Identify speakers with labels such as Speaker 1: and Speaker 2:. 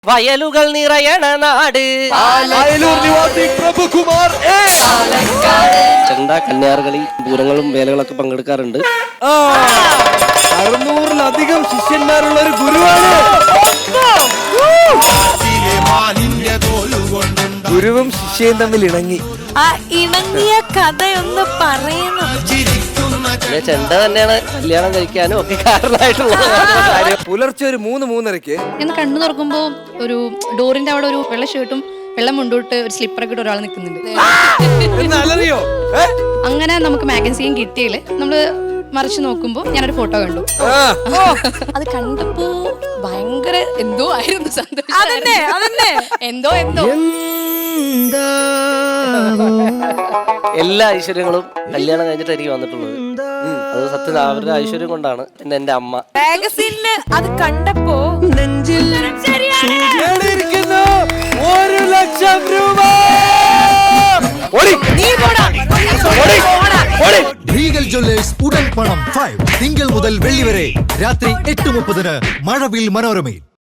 Speaker 1: വയലുകൾ നിറയണ നാട് ചെണ്ട കന്യാർകളി പൂരങ്ങളും വേലകളൊക്കെ പങ്കെടുക്കാറുണ്ട്.
Speaker 2: 600-ലധികം ശിഷ്യന്മാരുള്ള ഒരു ഗുരുവാണ്. ഗുരുവും ശിഷ്യയും തമ്മിൽ ഇണങ്ങി.
Speaker 3: ആ ഇണങ്ങിയ കഥയൊന്ന് പറയണം.
Speaker 1: ചെണ്ട തന്നെയാണ് കല്യാണം കഴിക്കാനും ഒക്കെ കാരണമായിട്ടുള്ള കാര്യം.
Speaker 2: പുലർച്ചെ ഒരു 3-3:30
Speaker 4: ഞാൻ കണ്ണു തുറക്കുമ്പോ ഒരു ഡോറിന്റെ അവിടെ ഒരു വെള്ള ഷർട്ടും വെള്ളം മുണ്ടോട്ട് ഒരു സ്ലിപ്പറൊക്കെ ഇട്ട് ഒരാൾ നിൽക്കുന്നുണ്ട്. അങ്ങനെ നമുക്ക് മാഗസീൻ കിട്ടിയില് നമ്മള് മറിച്ച് നോക്കുമ്പോ ഞാനൊരു ഫോട്ടോ കണ്ടു. അത് കണ്ടപ്പോ ഭയങ്കര എന്തോ ആയിരുന്നു സന്തോഷം. എന്തോ
Speaker 1: എല്ലാ ഐശ്വര്യങ്ങളും കല്യാണം കഴിഞ്ഞിട്ട് എനിക്ക് വന്നിട്ടുള്ളത്. അത് സത്യം അവരുടെ ഐശ്വര്യം കൊണ്ടാണ്. പിന്നെ എന്റെ അമ്മ
Speaker 3: മാഗസീനില് അത് കണ്ടപ്പോ
Speaker 5: റീഗൽ ജ്വല്ലേഴ്സ് ഉടൻ പണം 5 തിങ്കൾ മുതൽ വെള്ളി വരെ രാത്രി 8:30 മഴവിൽ മനോരമയിൽ.